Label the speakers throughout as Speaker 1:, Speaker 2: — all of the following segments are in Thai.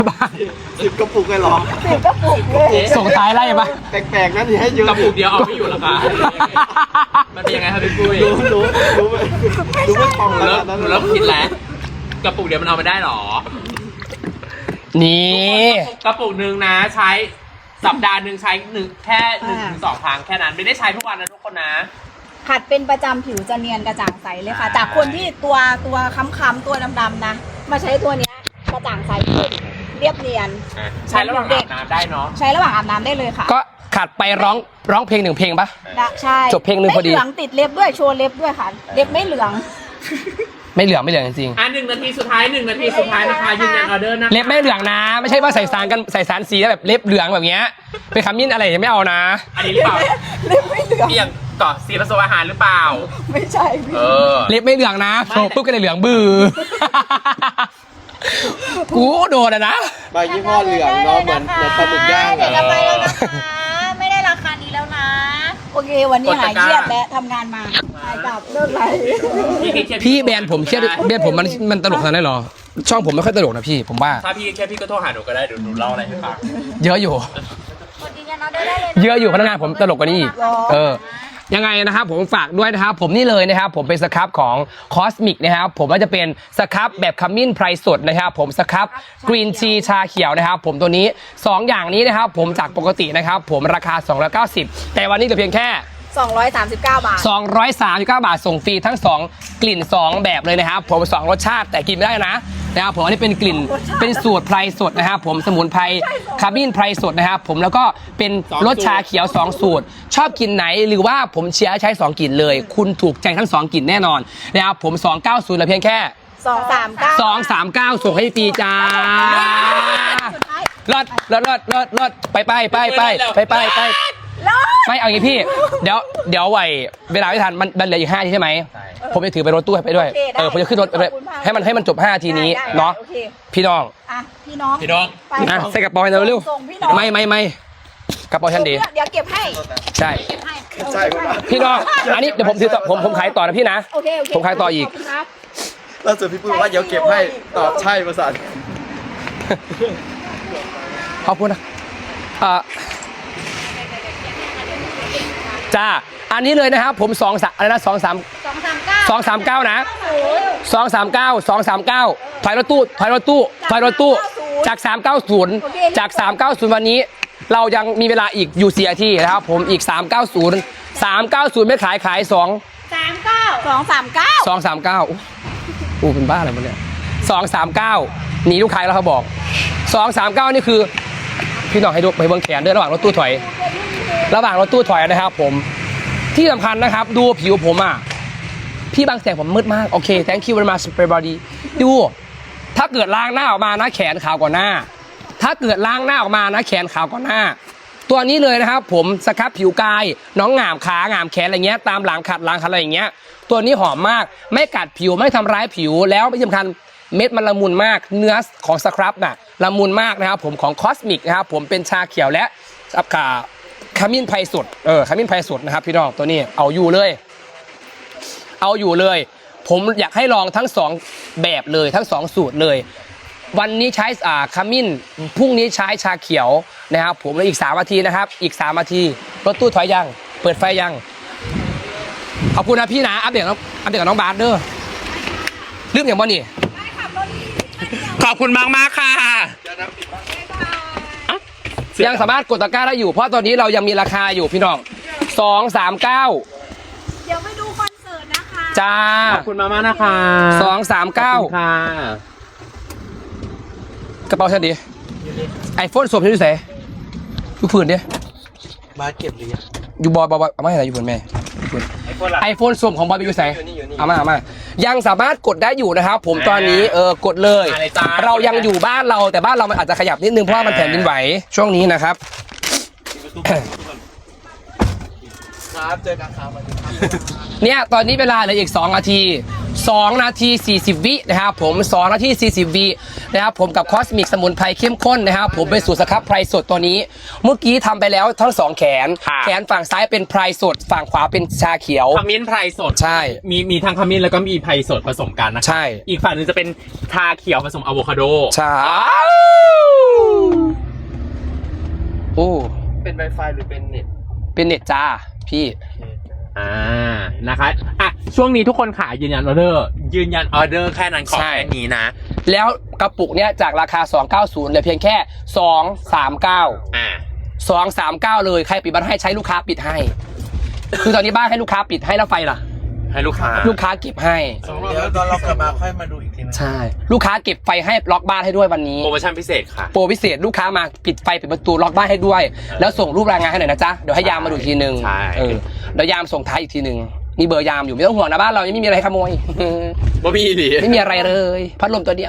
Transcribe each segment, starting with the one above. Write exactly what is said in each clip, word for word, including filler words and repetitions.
Speaker 1: บ้าน
Speaker 2: สิบกระปุกเลยหรอ
Speaker 3: สิบกระปุกเลย
Speaker 1: ส่งท้ายไล่ปะ
Speaker 2: แปลกๆนั่นที่ให้เยอะ
Speaker 4: กระปุกเดียวเอาไม่อยู่หรอคะมันเป็นยังไงครับพี่ปุ้ย
Speaker 2: รู้รู้รู้ไหมรู้ไหมทอง
Speaker 4: หนู
Speaker 2: แล้
Speaker 4: เริ่
Speaker 2: ว
Speaker 4: มหนูเริ่มคิดแล้วกระปุกเดียวมันเอาไม่ได้หรอ
Speaker 1: นี่
Speaker 4: กระปุกหนึ่งนะใช้สัปดาห์หนึ่งใช้หนึ่งแค่หนึ่งถึงสองครั้งแค่นั้นไม่ได้ใช้ทุกวันนะทุกคนนะ
Speaker 3: ขัดเป็นประจำผิวจะเนียนกระจ่างใสเลยค่ะ จากคนที่ตัวตัวค้ำๆตัวดำๆนะ มาใช้ตัวเนี้ยกระจ่างใสขึ้นเรียบเนียน
Speaker 4: ใช้ระหว่างอาบน้ำได้เนาะ
Speaker 3: ใช้ระหว่างอาบน้ำได้เลยค่ะ
Speaker 1: ก็ขัดไปร้องร้องเพลงหนึ่งเพลงปะ
Speaker 3: ได้ใช่
Speaker 1: จบเพลงหนึ่งพอดี
Speaker 3: ไม่เหลืองติดเล็บด้วยโชว์เล็บด้วยค่ะ เล็บไม่เหลือง
Speaker 1: ไม่เหลืองไม่เหลืองจริง
Speaker 4: อ่ะหนึ่งนาทีสุดท้ายหนึ่งนาทีสุดท้ายนะคะยืนยันออเดอร์นะ
Speaker 1: ๆเล็บไม่เหลืองนะ ไม่ใช่ว่าใส่สารกันใส่สารสีแล้วแบบเล็บเหลืองแบบเงี้ยไปขมิ้นอะไรไม่เอานะ
Speaker 4: อันนี้หรือเปล่า
Speaker 3: เล็บไม่เหลือง
Speaker 4: เอี่ยงก่อสีผสมอาหารหรือเปล่า
Speaker 3: ไม่ใช่พี่
Speaker 4: เออ
Speaker 1: เล็บไม่เหลืองนะโผล่ปุ๊บก็เลยเหลืองบือ กูโดนอะนะ
Speaker 2: ใบยี่ห้อเหลืองเนาะเหมือนเหมือนปลาหมึกย่าง
Speaker 5: เดี๋ยว
Speaker 2: อะ
Speaker 5: จะไปแล้วนะคะไม่ได้ราคานี้แล้วนะ
Speaker 3: โอเค วันนี้หายเครียดและทำงานมาหายกลับเลิกไร
Speaker 1: พี่แบรนด์ผมเครียดแบรนด์ผมมันมันตลกขนาดนั้นเหรอ ช่องผมไม่ค่อยตลกนะพี่ผมว่า
Speaker 4: ถ้าพี่แค่พี่ก็โทรหาหนูก็ได้เดี๋ยวหนูเล่าอะไรให้ฟัง
Speaker 1: เยอะอยู่
Speaker 5: กดยืนยันออเดอร์ได้เลยน
Speaker 1: เยอะอยู่พนักงานผมตลกกว่านี้อีกเออ ยังไงนะครับผมฝากด้วยนะครับผมนี่เลยนะครับผมเป็นสครับของคอสมิกนะครับผมก็จะเป็นสครับแบบขมิ้นไพรสดนะครับผมสครับกรีนทีชาเขียวนะครับผมตัวนี้สองอย่างนี้นะครับผมจากปกตินะครับผมราคาสองร้อยเก้าสิบแต่วันนี้เหลือเพียงแค่
Speaker 3: สองร้อยสามสิบเก้าบาท
Speaker 1: สองร้อยสามสิบเก้าบาทส่งฟรีทั้งสองกลิ่นสองแบบเลยนะครับผมสองรสชาติแต่กินไม่ได้นะนะครับผมอันนี้เป็นกลิ่นเป็นสูตรไพรสดนะครับผมสมุนไพรคาร์บินไพรสดนะครับผมแล้วก็เป็นรสชาเขียวสองสูตร ชอบกลิ่นไหนหรือว่าผมเชียร์ใช้สองกลิ่นเลย คุณถูกใจทั้งสองกลิ่นแน่นอนนะครับผมสองเก้าศูนย์เหลือเพียงแค่
Speaker 3: สองสามเก้า
Speaker 1: สองสามเก้าส่งให้ฟรีจ้า
Speaker 3: สุดท้าย
Speaker 1: รถรถรถรถรถไปไปไปไปไปไปไปไม่เอาอย่างนี้พี่เดี๋ยวเดี๋ยวไหวเวลาไม่ทันมันมันเหลืออีกห้าทีใช่ไหมผมจะถือไปรถตู้ไปด้วยเออผมจะขึ้นรถไปให้มันให้มันจบห้าทีนี้เนาะ
Speaker 3: โอเค
Speaker 1: พี่น้อง
Speaker 3: อ่ะพี่น้อง
Speaker 4: พี่น้อง
Speaker 3: ไป
Speaker 1: อ่ะใส่กระเป๋าให้เราเร็ว
Speaker 3: ส่งพี่น้อง
Speaker 1: ไม่ไม่ไม่กระเป๋าฉันดี
Speaker 3: เดี๋ยวเก็บให้
Speaker 1: ใช่
Speaker 3: เก็บให้
Speaker 2: ใช่ครับ
Speaker 1: พี่น้องอันนี้เดี๋ยวผมถือต่อผมผมขายต่อนะพี่นะ
Speaker 3: โอเคโอเค
Speaker 1: ผมขายต่ออีก
Speaker 3: ขบคุณครับ
Speaker 2: ล่าสุดพี่ปุ้ยว่าเดี๋ยวเก็บให้ตอบใช่ประสาน
Speaker 1: ขอบคุณนะเอ่อจ้าอันนี้เลยนะครับผมสองสามอะไรนะสองสาม
Speaker 3: สองสามเก้า
Speaker 1: สองสามเก้านะ
Speaker 3: โอ้ย
Speaker 1: สองสามเก้าสองสามเก้าถอยรถตู้ถอยรถตู้ถอยรถตู้จากสามเก้าศูนย์จากสามเก้าศูนย์วันนี้ เรายังมีเวลาอีกอยู่เสียที่นะครับผมอีกสามเก้าศูนย์สามเก้าศูนย์ไม่ขายขายสอง
Speaker 3: สามเก้าสองสามเก้า
Speaker 1: สองสามเก้าอู้เป็นบ้าอะไรมันเนี่ยสองสามเก้าหนีลูกค้าแล้วเขาบอกสองสามเก้านี่คือพี่น้องให้ดูไปเบิ้งแขนด้วยระหว่างรถตู้ถอย ระหว่างรถตู้ถอยนะครับผมที่สำคัญนะครับดูผิวผมอ่ะพี่บางแสงผมมืดมากโอเค thank you very much everybody ดูถ้าเกิดล้างหน้าออกมานะแขนขาวกว่าหน้า ถ้าเกิดล้างหน้าออกมานะแขนขาวกว่าหน้า ตัวนี้เลยนะครับผมสครับผิวกายน้องหงามขาหงามแขนอะไรเงี้ยตามหลังขัดหลังขัดอะไรอย่างเงี้ยตัวนี้หอมมากไม่กัดผิวไม่ทำร้ายผิวแล้วที่สำคัญเม็ดมันละมุนมากเนื้อของสครับน่ะละมุนมากนะครับผมของคอสมิกนะครับผมเป็นชาเขียวและสับขาขมิ้นไพรสดเออขมิ้นไพรสดนะครับพี่น้องตัวนี้เอาอยู่เลยเอาอยู่เลยผมอยากให้ลองทั้งสองแบบเลยทั้งสองสูตรเลยวันนี้ใช้อ่าขมิ้นพรุ่งนี้ใช้ชาเขียวนะครับผมแล้วอีกสามนาทีนะครับอีกสามนาทีรถตู้ถอยยังเปิดไฟยังขอบคุณนะพี่นะอัปเดตน้องอัปเดตกับน้องบาสเด้อลืมอย่างบ่นี่
Speaker 4: ขอบคุณมากมากค่ะ
Speaker 1: ยังสามารถกดตะกร้าได้อยู่เพราะตอนนี้เรายังมีราคาอยู่พี่น้องสองสามเก้า
Speaker 3: เดี๋ยวไปดูคอนเสิร์ตนะคะ
Speaker 1: จ้า
Speaker 4: ขอบคุณมากมากนะคะ
Speaker 1: สองสามเก้า
Speaker 4: ค่ะ
Speaker 1: กระเป๋าฉันดีไอโฟนสวมฉันอยู่ไหนอยู่ผืนดิ
Speaker 2: มาเก็บหรือยัง
Speaker 1: อยู่บอยบอยเอามาให้ไหนอยู่ผืนแม่ไอโฟนสวมของบอยไปอยู่ไหนเอามาเอามายังสามารถกดได้อยู่นะครับผมตอนนี้เออกดเลย เรายังอยู่บ้านเราแต่บ้านเรามันอาจจะขยับนิดนึงเพราะว่ามันแผ่นดินไหวช่วงนี้นะครับ
Speaker 2: ครับเจอกันครับ
Speaker 1: เนี่ยตอนนี้เวลาเหลืออีกสองนาทีสองนาทีสี่สิบวินะครับผมสองนาทีสี่สิบวินะครับผมกับคอสมิกสมุนไพรเข้มข้นนะครับผมเป็นสูตรสครับไพรสดตัวนี้ เมื่อกี้ทำไปแล้วทั้งสองแขน
Speaker 4: ค่ะ
Speaker 1: แขนฝั่งซ้ายเป็นไพรสดฝั่งขวาเป็นชาเขียว
Speaker 4: ขมิ้นไพรสด
Speaker 1: ใช่
Speaker 4: มีมีทั้งขมิ้นแล้วก็มีไพรสดผสมกันนะคะ
Speaker 1: ใช่
Speaker 4: อีกฝั่งหนึงจะเป็นชาเขียวผสมอะโวคาโด
Speaker 1: ใช่โอ้
Speaker 2: เป็น Wi-Fi หรือเป็นเน็ต
Speaker 1: เป็นเน็ตจ้าพี่
Speaker 4: อ่านะคะอ่ะช่วงนี้ทุกคนขายยืนยันออเดอร์ ยืนยันออเดอร์แค่นั้นขอ
Speaker 1: ใช่
Speaker 4: แค่นี้นะ
Speaker 1: แล้วกระปุกเนี้ยจากราคาสองร้อยเก้าสิบเหลือเพียงแค่สองร้อยสามสิบเก้า
Speaker 4: อ่า
Speaker 1: สองสามเก้าเลยใครปิดบ้านให้ใช้ลูกค้าปิดให้ คือตอนนี้บ้านให้ลูกค้าปิดให้แล้วไฟล่ะ
Speaker 4: ให้ลูกค้า
Speaker 1: ลูกค้าเก็บให้
Speaker 2: เดี๋ยวตอนเรากลับมาค่อยมาดูอีกทีนึง
Speaker 1: ใช่ ลูกค้าเก็บไฟให้ล็อกบ้านให้ด้วยวันนี้
Speaker 4: โปรโมชั่นพิเศษค่ะ
Speaker 1: โปรพิเศษลูกค้ามาปิดไฟปิดประตูล็อกบ้านให้ด้วย แล้วส่งรูปรายงานให้หน่อยนะจ๊ะเดี๋ยวให้ยามมาดูอีกทีหนึ่ง
Speaker 4: ใช่
Speaker 1: เออเดี๋ยวยามส่งท้ายอีกทีหนึ่งมีเบอร์ยามอยู่ไม่ต้องห่วงนะบ้านเรายังไม่มีอะไรขโมย
Speaker 4: บ่มีดิ
Speaker 1: ไม่มีอะไรเลยพัดลมตัวเดียว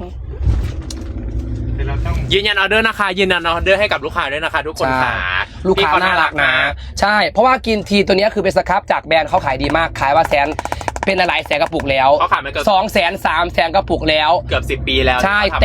Speaker 4: ยืนยันออเดอร์นะคะ ยืนยันออเดอร์ให้กับลูกค้าด้วยนะคะ ทุกคน
Speaker 1: ใช่
Speaker 4: ค่ะ
Speaker 1: ลูกค้า
Speaker 4: พี่เข
Speaker 1: น่ารักนะ ใช่ เพราะว่ากินทีตัวเนี้ยคือเป็นสครับจากแบรนด์เขาขายดีมากขายว่าแสนเป็นหลายแสนกระปุกแล้ว
Speaker 4: เขาขายมาเกือบ
Speaker 1: สองแสนสามแสนกระปุกแล้ว
Speaker 4: เกือบสิบปีแล้ว
Speaker 1: ใช่
Speaker 4: ที่เขาทำ